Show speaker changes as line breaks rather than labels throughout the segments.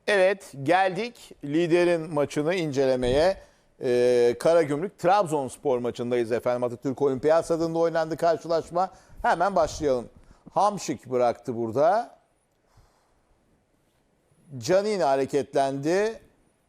Evet, geldik liderin maçını incelemeye. Karagümrük Trabzonspor maçındayız efendim. Atatürk Olimpiyat Stadı'nda oynandı karşılaşma. Hemen başlayalım. Hamşik bıraktı burada. Canini hareketlendi.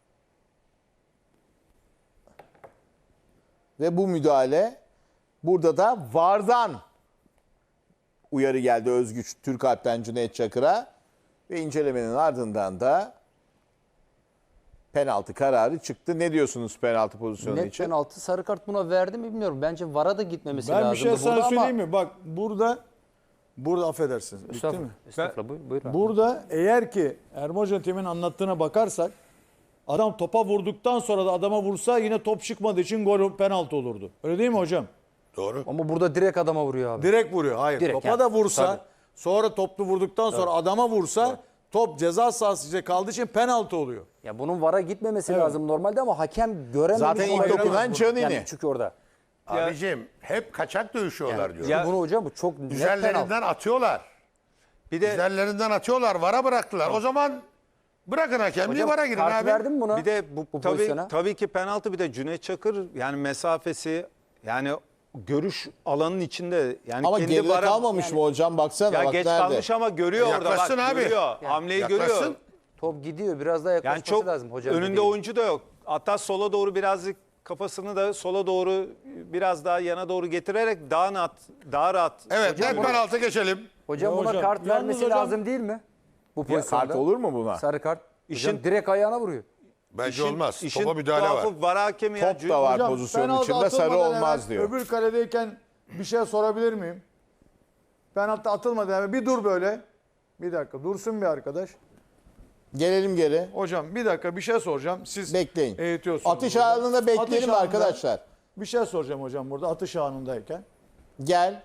Ve bu müdahale, burada da VAR'dan uyarı geldi Özgüç Türkalp'ten Cüneyt Çakır'a. Ve incelemenin ardından da penaltı kararı çıktı. Ne diyorsunuz penaltı pozisyonu
Net
için?
penaltı, sarı kart buna verdi mi bilmiyorum. Bence VAR'a da gitmemesi lazım.
Ben bir şey sana
burada
söyleyeyim
ama...
mi? Bak burada affedersiniz. Bitti mi?
Estağfurullah. Estağfurullah. Buyur abi.
Burada eğer ki Ermocan Temin anlattığına bakarsak adam topa vurduktan sonra da adama vursa yine top çıkmadığı için gol penaltı olurdu. Öyle değil mi hocam?
Doğru.
Ama burada direkt adama vuruyor abi.
Direkt vuruyor. Hayır.
Direkt
Topa
yani.
da vursa
Tabii.
sonra toplu vurduktan sonra adama vursa top ceza sahası içinde kaldığı için penaltı oluyor.
Ya bunun VAR'a gitmemesi
Evet.
lazım normalde ama hakem görememiş.
Zaten ilk
olabilir.
dokunan Canini.
Yani çünkü orada.
Abicim hep kaçak dövüşüyorlar diyor.
Çünkü bunu hocam bu çok net penaltı.
Üzerlerinden atıyorlar.
Bir de
Üzerlerinden atıyorlar. VAR'a bıraktılar. O zaman bırakın hakemliği,
Hocam
VAR'a girin
kart
abi.
verdin mi buna?
bir de bu
pozisyona?
tabii ki penaltı, bir de Cüneyt Çakır yani mesafesi, yani görüş alanının içinde, yani
Ama
kendi
geride
vara-
kalmamış mı hocam? Baksana
Ya
bak
geç
nerede.
kalmış ama görüyor orada, bak
Yaklaşsın abi.
görüyor. Hamleyi
Yaklaşsın.
görüyor.
Top gidiyor. Biraz daha yaklaşması
Yani çok
lazım hocam.
önünde
dediği.
oyuncu da yok. Hatta sola doğru birazcık kafasını da sola doğru, biraz daha yana doğru getirerek daha rahat.
Evet, net penaltı geçelim.
Hocam
Ya
buna
hocam,
kart
yalnız
vermesi
hocam-
lazım değil mi? Bu pozisyonda.
Kart olur mu buna?
Sarı kart. Hocam
İşin-
direkt ayağına vuruyor.
Bence olmaz.
İşin
Topa müdahale var.
tuhafı VAR hakemi ya.
Top da var
Hocam,
pozisyonun
penaltı
içinde, sarı
atılmadan
olmaz
hemen
diyor.
Öbür kaledeyken bir şey sorabilir miyim? Penaltı atılmadı hemen. Bir dur böyle. Bir dakika dursun bir arkadaş.
Gelelim geri.
Hocam bir dakika bir şey soracağım. Siz
Bekleyin.
eğitiyorsunuz.
Atış
burada.
anında bekleyelim
Atış anında
arkadaşlar.
Bir şey soracağım hocam burada atış anındayken.
Gel.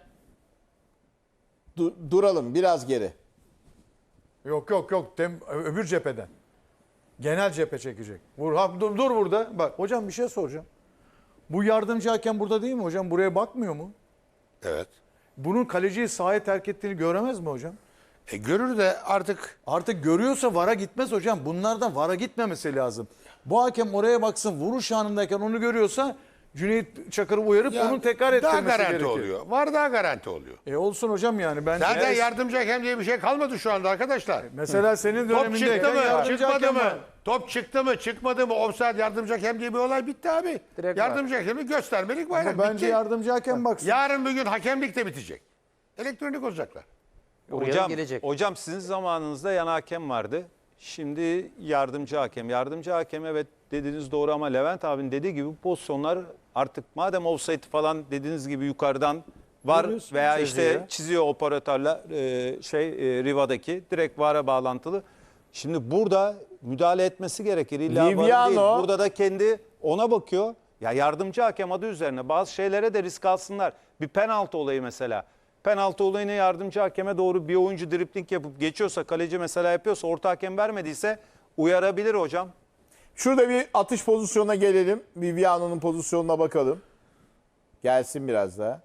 Duralım biraz geri.
Yok. Öbür cepheden. Genel cephe çekecek. Dur burada. Bak hocam bir şey soracağım. Bu yardımcı hakem burada değil mi hocam? Buraya bakmıyor mu?
Evet.
Bunun kaleciyi sahaya terk ettiğini göremez mi hocam?
Görür de artık
Artık görüyorsa VAR'a gitmez hocam. Bunlardan VAR'a gitmemesi lazım. Bu hakem oraya baksın, vuruş anındayken onu görüyorsa Cüneyt Çakır'ı uyarıp onun tekrar
daha
ettirmesi
garanti
gerekiyor.
oluyor. VAR daha garanti oluyor.
Olsun hocam yani. Ben
Zaten yardımcı hakem diye bir şey kalmadı şu anda arkadaşlar.
mesela senin
Top
dönemindeyken
çıktı mı,
yardımcı
çıkmadı
hakem
mı?
var.
Top çıktı mı, çıkmadı mı? Offside yardımcı hakem diye bir olay bitti abi.
Direkt
Yardımcı hakemi göstermelik bayrak
Bence
bitti.
yardımcı hakem baksın.
Yarın bir gün hakemlik de bitecek. Elektronik olacaklar.
Oraya da gelecek.
Hocam sizin zamanınızda yan hakem vardı. Şimdi yardımcı hakem. Yardımcı hakem, evet dediğiniz doğru ama Levent abinin dediği gibi bu pozisyonlar artık madem offside falan dediğiniz gibi yukarıdan var
Görüyorsun,
veya
çiziyor.
işte çiziyor operatörler Riva'daki direkt VAR'a bağlantılı. Şimdi burada müdahale etmesi gerekir. İlla VAR
Liviano.
değil. Burada da kendi ona bakıyor. Ya yardımcı hakem adı üzerine bazı şeylere de risk alsınlar. Bir penaltı olayı mesela. Penaltı olayını yardımcı hakeme doğru bir oyuncu dripling yapıp geçiyorsa, kaleci mesela yapıyorsa, orta hakem vermediyse uyarabilir hocam.
Şurada bir atış pozisyonuna gelelim. Viviano'nun pozisyonuna bakalım. Gelsin biraz daha.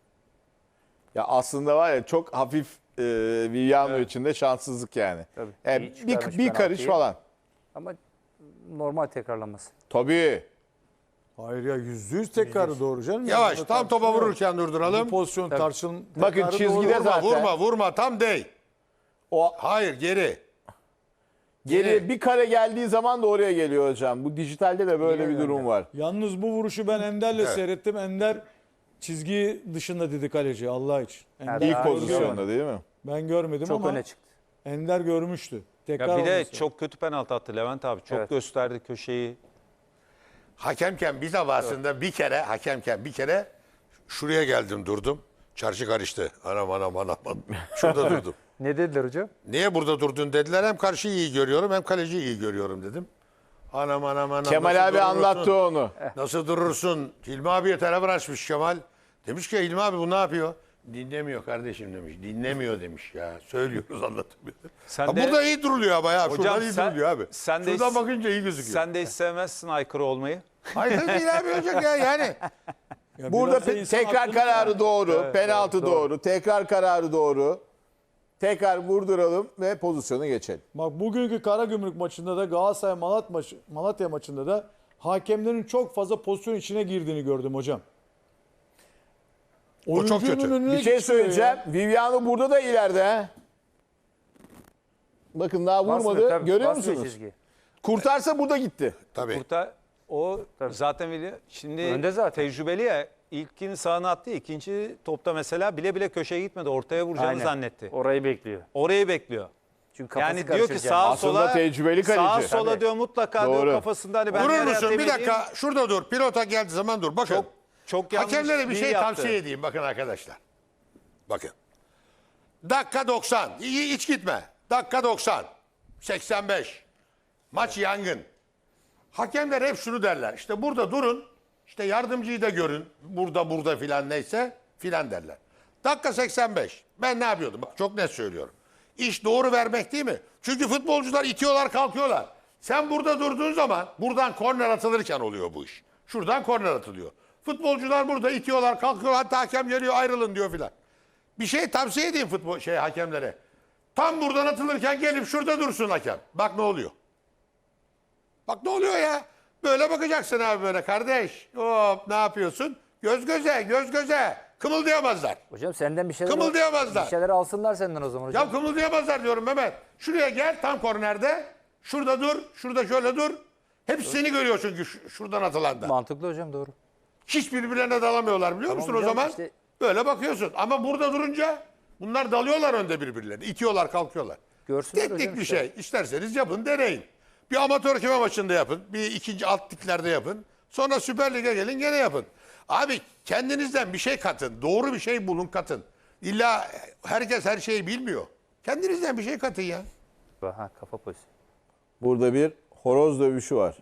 Ya aslında var ya çok hafif Viviano için de şanssızlık yani.
Tabii.
Yani
İyi çıkarmış
bir karış
penaltıyı.
falan.
Ama normal tekrarlanması.
Tabii.
Hayır ya %100 tekrarı doğru canım.
Yavaş,
Bunda
tam topa
tartışma yok.
vururken durduralım.
Bu pozisyon
Bakın
tekrarı
çizgide
doğru.
zaten.
Vurma, tam değil.
O
Hayır, geri.
geri bir kare geldiği zaman da oraya geliyor hocam. Bu dijitalde de böyle bir durum var.
Yalnız bu vuruşu ben Ender'le seyrettim. Ender çizgi dışında dedi kaleci Allah için. Ender
İlk
İlk
Daha
pozisyonda değil mi?
Ben görmedim
Çok
ama
öne çıktı.
Ender görmüştü. Tekrar
Ya bir de
olması.
çok kötü penaltı attı Levent abi. Çok
Evet.
gösterdi köşeyi.
Hakemken bir defasında bir kere şuraya geldim durdum. Çarşı karıştı. Anam. Şurada durdum.
Ne dediler hocam?
Niye burada durdun dediler. Hem karşıyı iyi görüyorum hem kaleciyi iyi görüyorum dedim. Anam.
Kemal
nasıl
abi
durursun?
anlattı onu.
Nasıl durursun? Hilmi abiye telefon açmış Kemal. Demiş ki Hilmi abi bu ne yapıyor? Dinlemiyor kardeşim demiş. Dinlemiyor demiş ya. Söylüyoruz anlatıyor.
Sen
Ha,
de-
burada iyi duruluyor ama ya.
Hocam
Şuradan iyi
sen-
duruluyor abi.
sen de
Şuradan
hiç-
bakınca iyi gözüküyor.
Sen de hiç sevmezsin aykırı olmayı.
Hayır değil abi olacak ya yani.
Ya
Burada
biraz da insan
tekrar
aklını-
kararı doğru, penaltı doğru, tekrar kararı doğru. tekrar vurduralım ve pozisyonu geçelim.
Bak bugünkü Karagümrük maçında da Galatasaray Malatya maçında da hakemlerin çok fazla pozisyon içine girdiğini gördüm hocam.
O çok
Oyuncunun
kötü.
önüne
Bir şey
geçiyor
söyleyeceğim.
ya.
Viviano burada da ileride. He. Bakın daha
Basmıyor,
vurmadı.
tabii,
Görüyor
basmıyor
musunuz?
çizgiyi.
Kurtarsa burada gitti.
Tabii.
Burada o zaten biliyor. Şimdi
Önde zaten.
tecrübeli ya. İlkini sağına attı. İkinci topta mesela bile bile köşeye gitmedi. Ortaya vuracağını
Aynen.
zannetti.
Orayı bekliyor.
Orayı bekliyor.
Çünkü kafası
Yani diyor ki
karışır
sağa
Aslında
sola
tecrübeli kaleci.
sağa sola
Tabii.
diyor mutlaka
Doğru.
diyor kafasında hani ben
Durur
nereye
musun? Bir
atayım
dakika şurada dur. Pilota geldiği zaman dur. Bakın.
çok yanlış
Hakemlere bir
değil
şey
yaptı.
tavsiye edeyim bakın arkadaşlar. Bakın. Dakika 90. Hiç gitme. Dakika 90. 85. Maç yangın. Hakemler hep şunu derler. İşte burada durun. İşte yardımcıyı da görün. Burada filan neyse filan derler. Dakika 85. Ben ne yapıyordum? Bak çok net söylüyorum. İş doğru vermek değil mi? Çünkü futbolcular itiyorlar kalkıyorlar. Sen burada durduğun zaman buradan korner atılırken oluyor bu iş. Şuradan korner atılıyor. Futbolcular burada itiyorlar kalkıyorlar. Hatta hakem geliyor ayrılın diyor filan. Bir şey tavsiye edeyim hakemlere. Tam buradan atılırken gelip şurada dursun hakem. Bak ne oluyor. Bak ne oluyor ya. Böyle bakacaksın abi böyle kardeş. Hop ne yapıyorsun? Göz göze göz göze. Kımıldayamazlar.
Hocam senden bir şeyler
Kımıldayamazlar.
Bir şeyler alsınlar senden o zaman hocam.
Ya kımıldayamazlar diyorum Mehmet. Şuraya gel tam kornerde. Şurada dur. Şurada şöyle dur. Hepsi seni görüyor çünkü şuradan atılanda.
Mantıklı hocam, doğru.
Hiç birbirlerine dalamıyorlar biliyor musun o
hocam,
zaman?
işte-
Böyle bakıyorsun. Ama burada durunca bunlar dalıyorlar önde birbirlerine. İtiyorlar kalkıyorlar.
Görsünler
Teknik
hocam
bir
işte.
şey. İsterseniz yapın deneyin. Bir amatör küme maçında yapın. Bir ikinci alt liglerde yapın. Sonra Süper Lig'e gelin gene yapın. Abi kendinizden bir şey katın. Doğru bir şey bulun katın. İlla herkes her şeyi bilmiyor. Kendinizden bir şey katın ya.
Ha, kafa pozisyonu.
Burada bir horoz dövüşü var.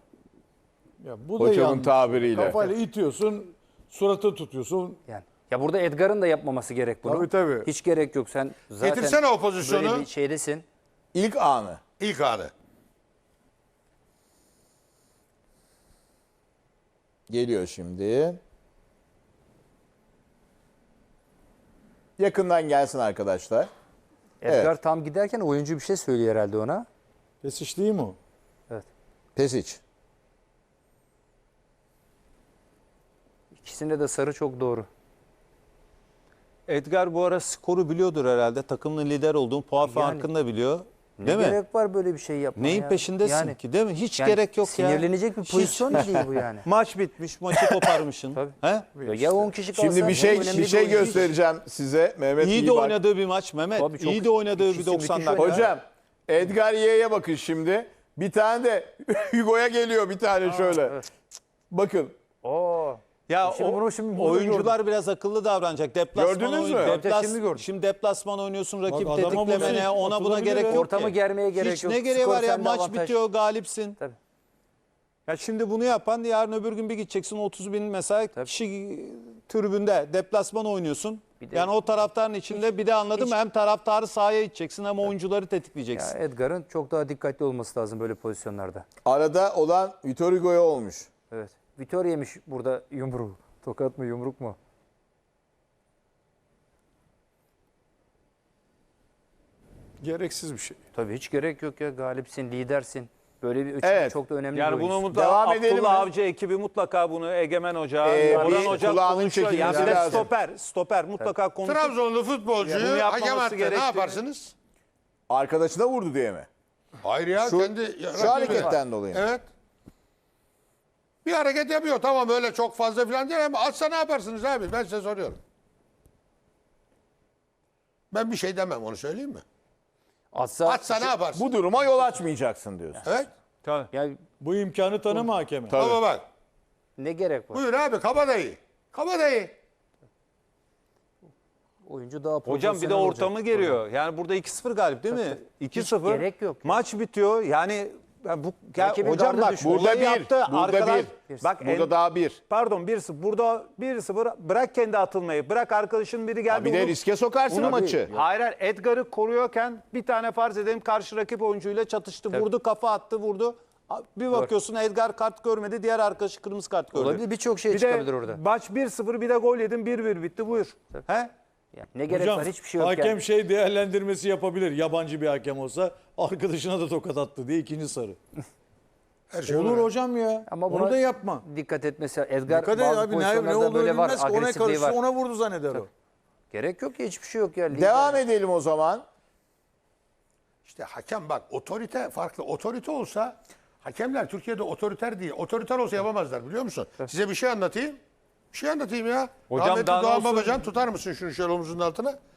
Ya bu da
Hocamın
yanlış.
tabiriyle.
Kafayla itiyorsun, suratı tutuyorsun.
Yani. Ya burada Edgar'ın da yapmaması gerek bunu.
Tabii, tabii.
Hiç gerek yok. Sen zaten
Getirsene o pozisyonu.
böyle bir şeydesin.
İlk anı.
İlk anı.
Geliyor şimdi. Yakından gelsin arkadaşlar.
Edgar
Evet.
tam giderken oyuncu bir şey söylüyor herhalde ona.
Pesiş değil mi o?
Evet.
Pesic.
İkisinde de sarı çok doğru.
Edgar bu ara skoru biliyordur herhalde. Takımın lider olduğunu, puan farkını da biliyor. Değil
Ne
mi?
gerek var böyle bir şey yapmaya?
Neyin
ya?
peşindesin
Yani-
ki değil mi? Hiç
yani
gerek yok ya.
Sinirlenecek bir
Hiç.
pozisyon değil bu yani.
Maç bitmiş, maçı koparmışsın.
Tabii.
He?
Ya 10 kişi kalsa
Şimdi bir şey
önemli
bir şey
oyuncu değil.
göstereceğim size. Mehmet
İyi
iyi
de
bak.
oynadığı bir maç Mehmet.
Tabii çok-
İyi de oynadığı bir
ikisi
90
müthiş
dakika.
oynadı.
Hocam Edgar Ye'ye bakın şimdi. Bir tane de Hugo'ya geliyor bir tane şöyle.
evet.
Bakın.
Oo.
Ya
Şimdi bunu şimdi burada
oyuncular biraz akıllı davranacak. Deplasman
Gördünüz mü?
Şimdi gördüm.
Şimdi deplasman oynuyorsun, rakip
Bak adama
tetiklemene,
basın,
ona buna
atılabilir
gerek
ya.
yok
Ortamı
ki.
germeye gerek
Hiç
yok.
ne gereği
Skor
var ya,
sende,
maç
avantaj.
bitiyor, galipsin.
Tabii.
Ya şimdi bunu yapan yarın öbür gün bir gideceksin 30 bin mesela kişi tribünde deplasman oynuyorsun.
Bir de-
Yani o taraftarın içinde bir de anladın mı? Hem taraftarı sahaya iteceksin hem oyuncuları
Ya
tetikleyeceksin.
Edgar'ın çok daha dikkatli olması lazım böyle pozisyonlarda.
Arada olan Vitor Hugo'ya olmuş.
Evet. Vitor yemiş burada yumruğu. Tokat mı yumruk mu?
Gereksiz bir şey.
Tabii hiç gerek yok ya. Galipsin, lidersin. Böyle bir
Evet.
çok da önemli
Yani
bir
bunu
oyuncu.
mutlaka
Devam edelim mi?
Abdullah Avcı ekibi mutlaka bunu Egemen Hoca,
Bir
Orhan Hoca
kulağının
konuşuyor. Yani
çekilmesi
bir de
lazım.
stoper mutlaka konuşuyor.
Trabzonlu
Bunu
futbolcuyu
yapmaması
hakem attı. Ne
gerektiğini-
yaparsınız?
Arkadaşına vurdu diye mi?
Hayır ya
Şu-
kendi
Şu
rakibi.
hareketten dolayı mı?
Evet. Bir hareket yapıyor. Tamam öyle çok fazla falan değil ama atsa ne yaparsınız abi? Ben size soruyorum. Ben bir şey demem onu söyleyeyim mi? Atsa ne yaparsın?
Bu duruma yol açmayacaksın diyorsun.
Evet.
Ya
Bu imkanı tanıma hakeme.
Tabii.
Ama bak.
ne gerek var?
Buyur abi kabadayı. Kabadayı.
Oyuncu daha
Hocam bir de
profesyonel olacak.
ortamı geliyor. Yani burada 2-0 galip değil mi? 2-0.
gerek yok.
Maç bitiyor. Yani bu
Rakibin
hocam
gardı
bak
düşmüyor.
Burada
burada
bir,
yaptı.
burada
Arkadaş,
bir.
bak
Burada daha bir.
Pardon 1-0. Burada 1-0 bırak kendi atılmayı. Bırak arkadaşın biri geldi.
Bir de
onu-
riske sokarsın
onu-
maçı.
Hayır hayır. Edgar'ı koruyorken bir tane farz edelim karşı rakip oyuncuyla çatıştı. Vurdu kafa attı vurdu. Bir bakıyorsun Edgar kart görmedi. Diğer arkadaşı kırmızı kart gördü.
Olabilir, birçok şey
Bir
çıkabilir
de
orada.
Maç 1-0 bir de gol yedin 1-1 bitti buyur. He?
Yani ne gerek var? Hiçbir şey yok.
hakem
yani.
şey değerlendirmesi yapabilir. Yabancı bir hakem olsa arkadaşına da tokat attı diye ikinci sarı.
Her şey
Olur
olur.
hocam ya.
Ama
Onu
buna
da yapma.
dikkat etmesi. Edgar
Dikkat et
bazı
abi ne
pozisyonlarda
olduğunu
böyle var.
bilmez. Ona
Agresifliği
karıştı
var.
ona vurdu zanneder o.
Gerek yok ya, hiçbir şey yok ya. Lider.
Devam edelim o zaman.
İşte hakem bak otorite farklı. Otorite olsa hakemler Türkiye'de otoriter değil. Otoriter olsa yapamazlar biliyor musun? Size bir şey anlatayım. Bir şey anlatayım ya.
Hocam
Rahmetli
daha ne
Doğan
olsun?
Babacan tutar mısın şunu şöyle omuzunun altına?